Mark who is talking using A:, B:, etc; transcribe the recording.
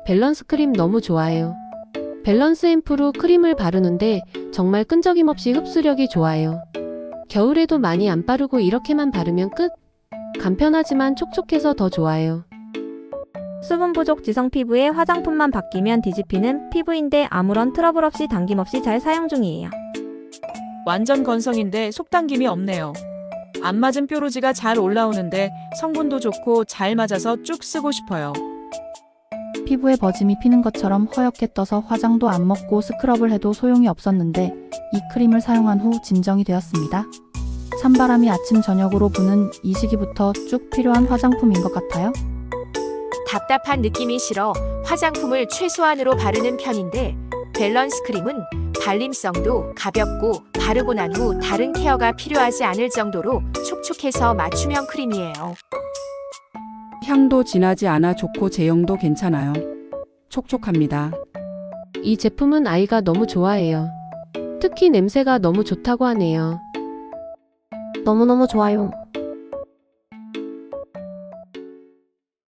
A: 밸런스 크림 너무 좋아요. 밸런스 앰플로 크림을 바르는데 정말 끈적임 없이 흡수력이 좋아요. 겨울에도 많이 안 바르고 이렇게만 바르면 끝! 간편하지만 촉촉해서 더 좋아요.
B: 수분 부족 지성 피부에 화장품만 바뀌면 뒤집히는 피부인데 아무런 트러블 없이 당김 없이 잘 사용 중이에요.
C: 완전 건성인데 속당김이 없네요. 안 맞은 뾰루지가 잘 올라오는데 성분도 좋고 잘 맞아서 쭉 쓰고 싶어요.
D: 피부에 버짐이 피는 것처럼 허옇게 떠서 화장도 안 먹고 스크럽을 해도 소용이 없었는데 이 크림을 사용한 후 진정이 되었습니다. 찬바람이 아침 저녁으로 부는 이 시기부터 쭉 필요한 화장품인 것 같아요.
E: 답답한 느낌이 싫어 화장품을 최소한으로 바르는 편인데 밸런스 크림은 발림성도 가볍고 바르고 난 후 다른 케어가 필요하지 않을 정도로 촉촉해서 맞춤형 크림이에요.
F: 향도 진하지 않아 좋고 제형도 괜찮아요. 촉촉합니다.
A: 이 제품은 아이가 너무 좋아해요. 특히 냄새가 너무 좋다고 하네요.
G: 너무너무 좋아요.